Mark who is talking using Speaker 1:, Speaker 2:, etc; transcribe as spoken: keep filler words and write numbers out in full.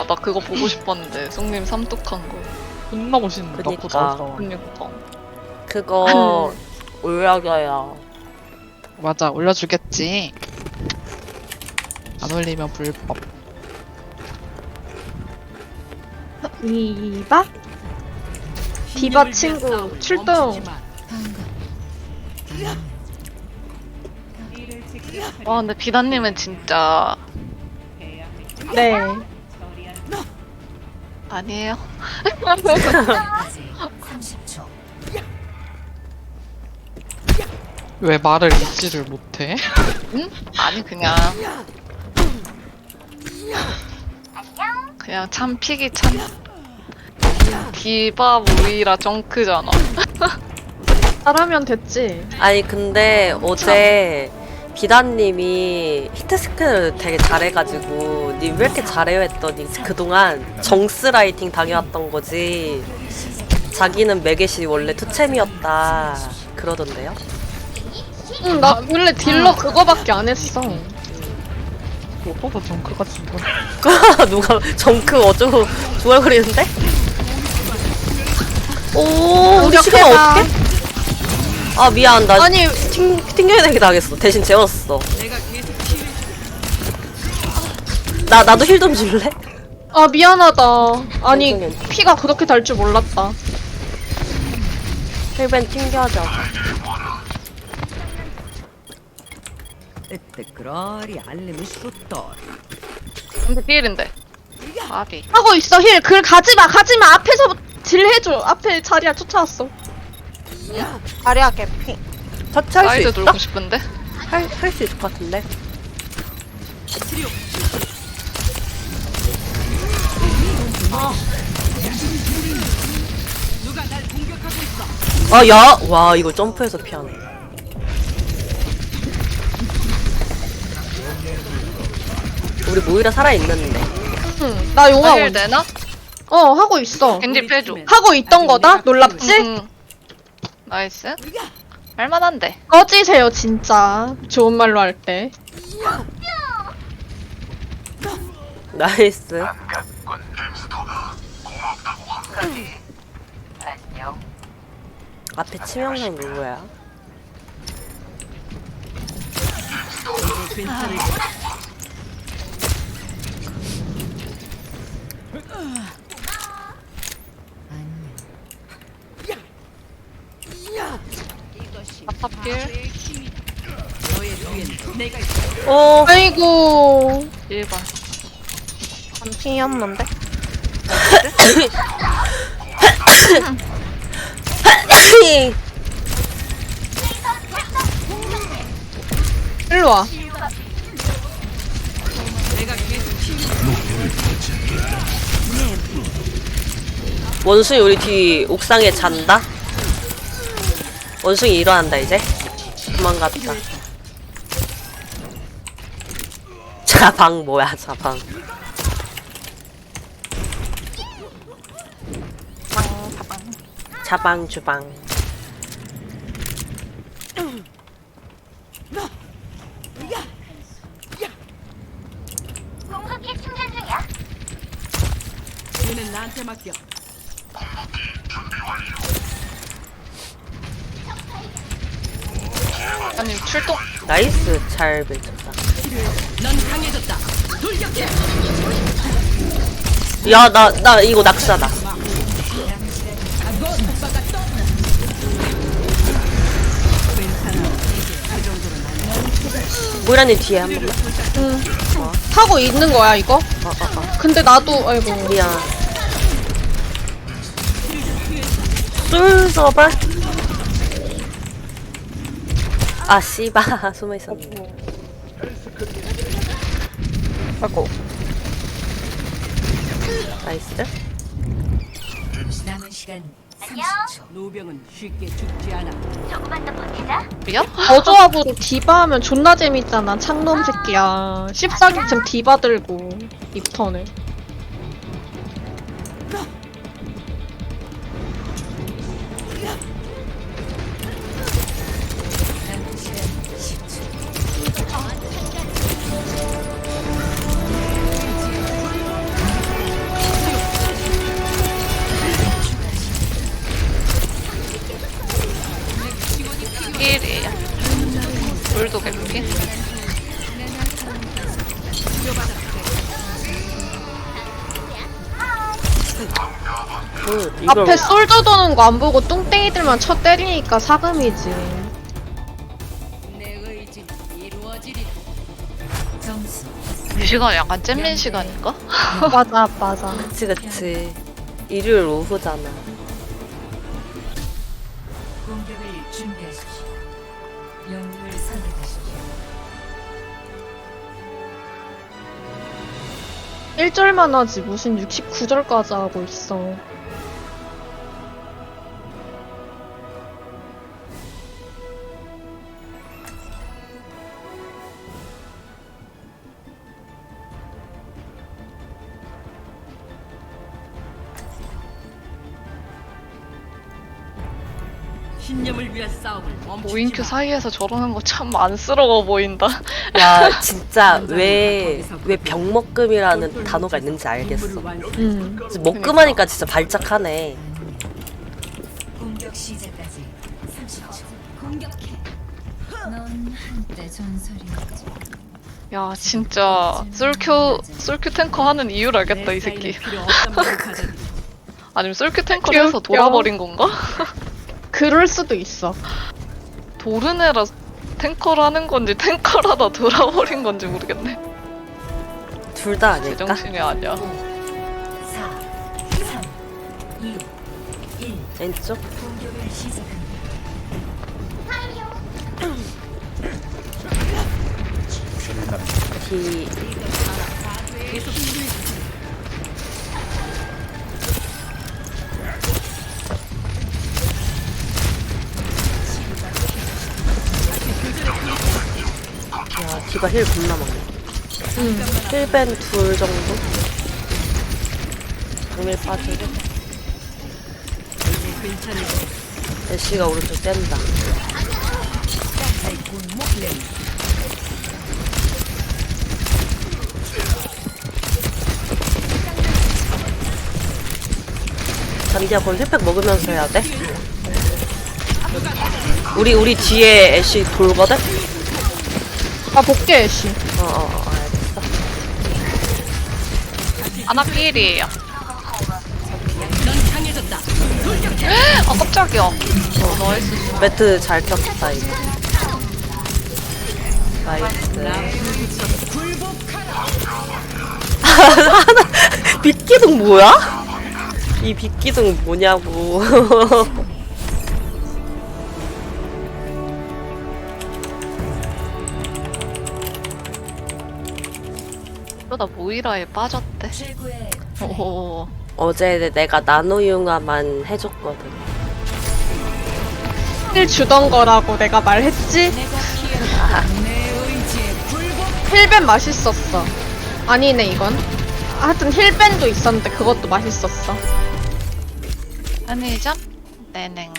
Speaker 1: 아, 나 그거 보고 싶었는데 송님 삼뚝한 거.
Speaker 2: 존나 멋있는데
Speaker 3: 그니까.
Speaker 2: 나보다.
Speaker 1: 그니까.
Speaker 3: 그거 올려줘요.
Speaker 2: 맞아, 올려주겠지. 안 올리면 불법.
Speaker 4: 디바? 디바 친구 출동.
Speaker 1: 와, 근데 비단님은 진짜
Speaker 4: 네.
Speaker 1: 아니에요.
Speaker 2: 왜 말을 잊지를 못해?
Speaker 1: 응? 아니 그냥 그냥 참 픽이 참 디바 모이라 정크잖아.
Speaker 4: 잘하면 됐지.
Speaker 3: 아니 근데 어제 비단님이 히트스크를 되게 잘해가지고 님 왜 이렇게 잘해요 했더니 그동안 정스 라이팅 당해왔던 거지 자기는 매겟이 원래 투챔이었다 그러던데요?
Speaker 4: 응, 나 원래 딜러 그거밖에 안 했어.
Speaker 2: 오빠도 정크 같은 거.
Speaker 3: 누가 정크 어쩌고 중얼거리는데? 오 우리 시간
Speaker 4: 공격해봐.
Speaker 3: 어떡해? 아 미안 나
Speaker 4: 아니,
Speaker 3: 튕, 튕겨내기 당했어. 대신 재웠어. 나 나도 힐 좀 줄래?
Speaker 4: 아 미안하다. 아니
Speaker 3: 괜찮아.
Speaker 4: 피가 그렇게 달 줄 몰랐다.
Speaker 3: 힐벤 튕겨하자.
Speaker 5: التكرار يعلم الشطار.
Speaker 1: 근데 필인데. 아비.
Speaker 4: 하고 있어 힐. 글 가지마 가지마. 앞에서 딜 해줘. 앞에 자리야 쫓아왔어.
Speaker 6: 자리야 개피.
Speaker 3: 터치할 수
Speaker 1: 사이드
Speaker 3: 있어?
Speaker 1: 돌고 싶은데?
Speaker 3: 할할 수 있을 것 같은데. 아, 야! 와, 이거 점프해서 피하네. 우리 모이라 살아있는데.
Speaker 4: 응. 나 용화
Speaker 1: 힐
Speaker 4: 온.
Speaker 1: 되나?
Speaker 4: 어 하고 있어.
Speaker 1: 겐지 빼줘.
Speaker 4: 하고 있던 거다. 놀랍지?
Speaker 1: 응. 나이스. 할만한데.
Speaker 4: 꺼지세요 진짜. 좋은 말로 할 때.
Speaker 3: 나이스. 앞에 치명상 누구야?
Speaker 1: 아탑길.
Speaker 3: 오!
Speaker 4: 아이고.
Speaker 1: 일 번.
Speaker 6: 반피였는데?
Speaker 4: 일로 와.
Speaker 3: 원숭이 우리 뒤 옥상에 잔다? 원숭이 일어난다 이제? 도망갔다. 자방 뭐야 자방. 자방 주방.
Speaker 5: 얘는 나한테 맡겨.
Speaker 1: 아니 출동.
Speaker 3: 나이스 잘 맺혔다.
Speaker 5: 넌 강해졌다. 돌격해.
Speaker 3: 야 나 나 이거 낙사다. 모이라님 뒤에 한 번만.
Speaker 4: 응. 하고 있는 거야 이거?
Speaker 3: 어, 어, 어.
Speaker 4: 근데 나도 아이고.
Speaker 3: 미안. 쏠서발. 아 씨바 숨어 있었네.
Speaker 4: 아이고.
Speaker 3: 나이스.
Speaker 5: 남은 시간 삼십 초. 노병은 쉽게 죽지 않아.
Speaker 1: 미야?
Speaker 4: 저조합으로 디바 하면 존나 재밌잖아. 창놈 새끼야. 십사기쯤 디바 들고 입턴을.
Speaker 3: 그, 이걸
Speaker 4: 앞에 솔져 도는 거 안 보고 뚱땡이들만 쳐 때리니까 사금이지.
Speaker 5: 내 의지는 이루어지리. 점수
Speaker 1: 이 시간 약간 잼민 시간인가?
Speaker 4: 맞아, 맞아.
Speaker 3: 그치 그치. 일요일 오후잖아.
Speaker 5: 공격을 준비하십시오. 영웅을 선택하십시오.
Speaker 4: 일 절만 하지 무슨 육십구 절까지 하고 있어.
Speaker 5: 신념을 위한 싸움을 멈추지
Speaker 1: 오인큐
Speaker 5: 마.
Speaker 1: 사이에서 저러는 거 참 안쓰러워 보인다.
Speaker 3: 야 진짜 왜 왜 병먹금이라는 단어가 있는지 알겠어.
Speaker 5: 임무를 완수.
Speaker 4: 음.
Speaker 3: 먹금하니까 진짜 발작하네.
Speaker 5: 공격 시작까지 삼십 초. 공격해. 넌 한때 전설이었지.
Speaker 1: 야 진짜 솔큐 솔큐 탱커 하는 이유를 알겠다 이 새끼.
Speaker 5: 필요 없단 말을 가져들이.
Speaker 1: 아니면 솔큐 탱커를 해서 돌아버린 건가?
Speaker 4: 그럴 수도 있어.
Speaker 1: 도르네라 탱커를 하는 건지 탱커라다 돌아버린 건지 모르겠네.
Speaker 3: 둘 다 아닐까?
Speaker 1: 제정신이 아니야.
Speaker 5: 사, 삼, 이, 일.
Speaker 3: 왼쪽?
Speaker 5: 공격을 시작합니다.
Speaker 3: 기... 야, 디바 힐 겁나 많네.
Speaker 4: 음.
Speaker 3: 힐벤 둘 정도? 정밀 빠지고. 애쉬가 오른쪽 뗀다. 잔디야, 그건 힐팩 먹으면서 해야 돼? 우리, 우리 뒤에 애쉬 돌거든?
Speaker 4: 아, 복귀 애쉬.
Speaker 3: 어어어, 어, 알겠어.
Speaker 1: 아나필이에요.
Speaker 5: 넌 강해졌다.
Speaker 1: 아 깜짝이야. 어, 나이스.
Speaker 3: 매트 잘 켰다, 이거. 나이스. 빗기둥 뭐야? 이 빗기둥 뭐냐고.
Speaker 1: 그러다 모이라에 빠졌대.
Speaker 5: 최고의
Speaker 1: 오.
Speaker 3: 어제 내가 나노융화만 해줬거든.
Speaker 4: 힐 주던 거라고 내가 말했지?
Speaker 5: 내 의지에
Speaker 4: 힐벤 맛있었어. 아니네, 이건. 하여튼 힐벤도 있었는데 그것도 맛있었어.
Speaker 1: 편의점? 네네.